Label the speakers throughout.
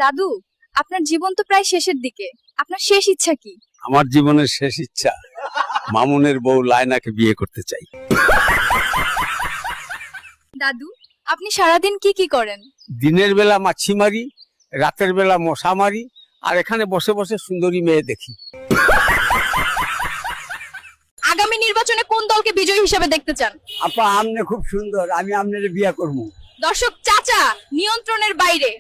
Speaker 1: দাদু, আপনার জীবন তো প্রায় শেষের দিকে, আপনার শেষ ইচ্ছা কি?
Speaker 2: আমার জীবনের শেষ ইচ্ছা মামুনের বউ লায়নাকে বিয়ে করতে চাই।
Speaker 1: দাদু, আপনি সারাদিন কি কি করেন?
Speaker 2: দিনের বেলা মাছি মারি, রাতের বেলা মশা মারি, আর এখানে বসে বসে সুন্দরী মেয়ে দেখি।
Speaker 1: আগামী নির্বাচনে কোন দলকে বিজয়ী হিসেবে দেখতে চান?
Speaker 2: আপা আমনে খুব সুন্দর, আমি আমনের বিয়ে করব।
Speaker 1: দর্শক চাচা নিয়ন্ত্রণের বাইরে।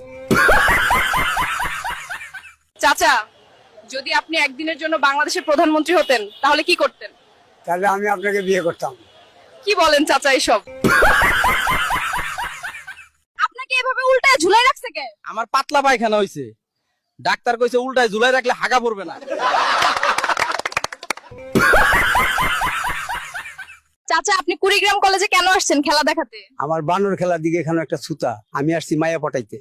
Speaker 1: চাচা, যদি আপনি একদিনের জন্য বাংলাদেশের প্রধানমন্ত্রী হতেন তাহলে কি করতেন?
Speaker 2: তাহলে আমি আপনাকে বিয়ে করতাম।
Speaker 1: কি বলেন চাচা এসব? আপনাকে এভাবে উল্টায় ঝুলাই রাখছে কে?
Speaker 3: আমার পাতলা পায়খানা হইছে, ডাক্তার কইছে উল্টায় ঝুলাই রাখলে হাগা পড়বে না।
Speaker 1: চাচা, আপনি কুড়িগ্রাম কলেজে কেন আসছেন খেলা দেখাতে?
Speaker 2: আমার বানর খেলার দিকে এখানে একটা ছুতা, আমি আসছি মায়া পটাইতে।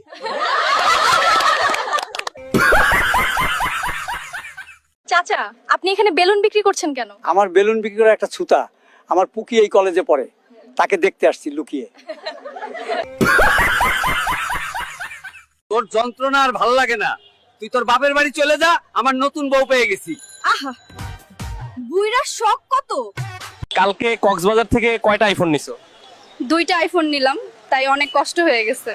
Speaker 1: চাচা, আপনি এখানে বেলুন বিক্রি করছেন কেন?
Speaker 2: আমার বেলুন বিক্রি করা একটা ছুতা, আমার পুকি এই কলেজে পড়ে, তাকে দেখতে আসছি লুকিয়ে। তোর যন্ত্রণা আর ভালো লাগে না, তুই তোর বাপের বাড়ি চলে যা, আমার নতুন বউ পেয়ে গেছি।
Speaker 1: আহা, বুইড়ার শখ কত!
Speaker 3: কালকে কক্সবাজার থেকে কয়টা আইফোন নিছো?
Speaker 1: 2টা আইফোন নিলাম, তাই অনেক কষ্ট হয়ে গেছে।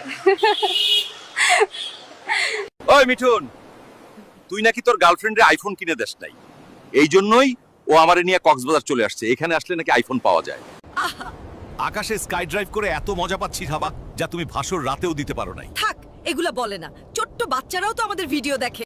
Speaker 4: ওই মিঠুন, তুই নাকি তোর গার্লফ্রেন্ডের আইফোন কিনে দেস নাই, এই জন্যই ও আমারে নিয়ে কক্সবাজার চলে আসছে। এখানে আসলে নাকি আইফোন পাওয়া যায়।
Speaker 5: আকাশে স্কাই ড্রাইভ করে এত মজা পাচ্ছি ভাবা, যা তুমি ভাসর রাতেও দিতে পারো নাই।
Speaker 6: থাক, এগুলা বলে না, ছোট্ট বাচ্চারাও তো আমাদের ভিডিও দেখে।